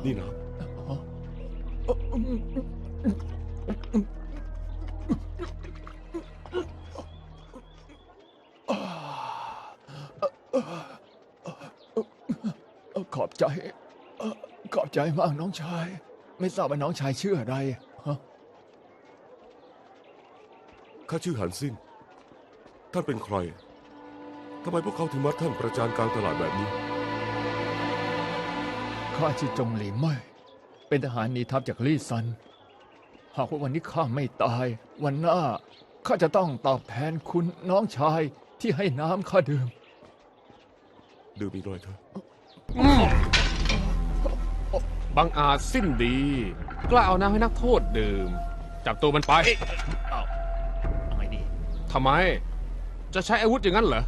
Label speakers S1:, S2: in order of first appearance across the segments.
S1: นี่นะ
S2: ขอบใจขอบใจมากน้องชายไม่ทราบว่าน้องชายชื่ออะไรฮะ
S1: ข้าชื่อหันซินท่านเป็นใครทำไมพวกเขาถึงมัดท่านประจานกลางตลาดแบบนี้
S2: ข้าชื่อจงหลีเม่ยเป็นทหารหนีทัพจากลี่ซันหากว่าวันนี้ข้าไม่ตาย วันหน้าข้าจะต้องตอบแทนคุณน้องชายที่ให้น้ำข้าดื่ม
S1: ดื่มอีกหน่อยเถอะ
S3: บังอาจสิ้นดีกล้าเอาน้ำให้นักโทษดื่มจับตัวมันไป
S2: เอาไงดี
S3: ทำไม จะใช้อาวุธอย่างนั้นเหรอ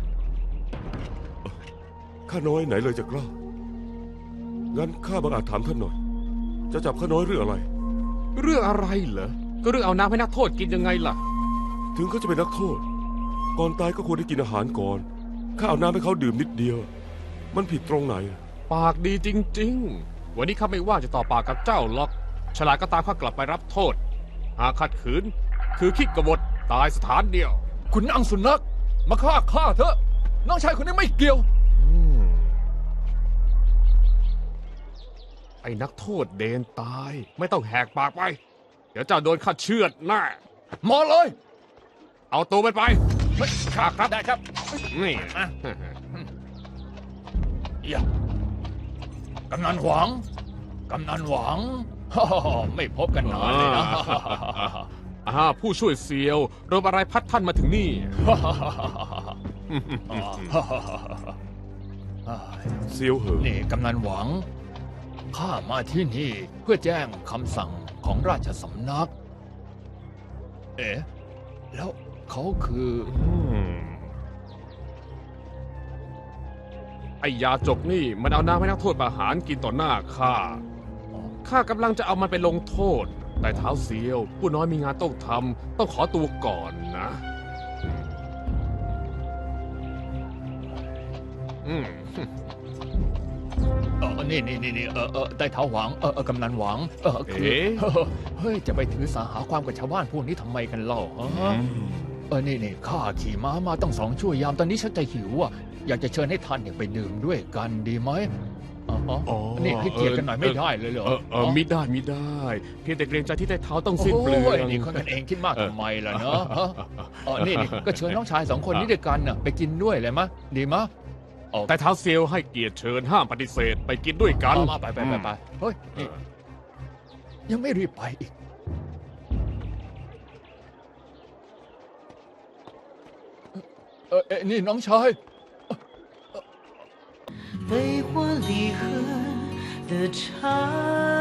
S1: ข้าน้อยไหนเลยจะกล้างั้นข้าบังอาจถามท่านหน่อย จะจับข้าน้อยเรื่องอะไร
S3: เรื่องอะไรเหรอก็เรื่องเอาน้ำให้นักโทษกินยังไงล่ะ
S1: ถึงเขาจะเป็นนักโทษ ก่อนตายก็ควรได้กินอาหารก่อนข้าเอาน้ำให้เขาดื่มนิดเดียว มันผิดตรงไหน
S3: ปากดีจริงๆ วันนี้ข้าไม่ว่าจะต่อปากกับเจ้าหรอกฉลาดก็ตามข้ากลับไปรับโทษ หากขัดขืน คือคิดกบฏตายสถานเดียว
S2: คุณนางสุนัขมาฆ่าข้าเถอะน้องชายคนนี้ไม่เกี่ยว
S3: ไอ้นักโทษเดนตาย ไม่ต้องแหกปากไป เดี๋ยวเจ้าโดนข้าเชือดแน่
S2: มาเลย
S3: เอาตัวมันไป
S2: ข้าครับได้ครับ
S3: นี่
S2: อย่ากำนันหวังกำนันหวัง ไม่พบกันนานเลยนะ
S3: ผู้ช่วยเซียวรบอะไรพัดท่านมาถึงนี่
S1: เซียวเหอะ
S2: นี่กำนันหวังข้ามาที่นี่เพื่อแจ้งคำสั่งของราชสำนัก เอ๊ะแล้วเขาคือ
S3: ไอ้ยาจกนี่มันเอาน้ำให้นักโทษประหารกินต่อหน้าข้า ข้ากำลังจะเอามันไปลงโทษ แต่เท้าเซียว ผู้น้อยมีงานต้องทำต้องขอตัวก่อนนะ
S2: นี่ได้เท้าหวังกำนันหวังคือ
S3: เอ๊ะ
S2: เฮ้ยจะไปถือสาหาความกับชาวบ้านพวกนี้ทำไมกันเล่าฮะนี่ข้าขี่ม้ามาตั้ง2 ชั่วยามตอนนี้ฉันจะหิวอ่ะอยากจะเชิญให้ท่านเนี่ยไปดื่มด้วยกันดีไหมนี่ให้เกียรติกันหน่อยไม่ได้เลยเหรอ
S3: มิได้มิได้ เพียงแต่เกรงใจที่ได้เท้าต้องสิ้นเปลือ
S2: โอ้ย
S3: ง
S2: นี่คนกันเองคิดมากทำไมล่ะเนาะนี่ก็เชิญน้องชาย2 คนนี้ด้วยกันน่ะไปกินด้วยเลยมะดีมะ
S3: แต่เท้าเซียวให้เกียรติเชิญห้ามปฏิเสธไปกินด้วยกัน
S2: มาไปเฮ้ยนี่ยังไม่รีบไปอีกนี่น้องชาย
S4: 飞花离合的长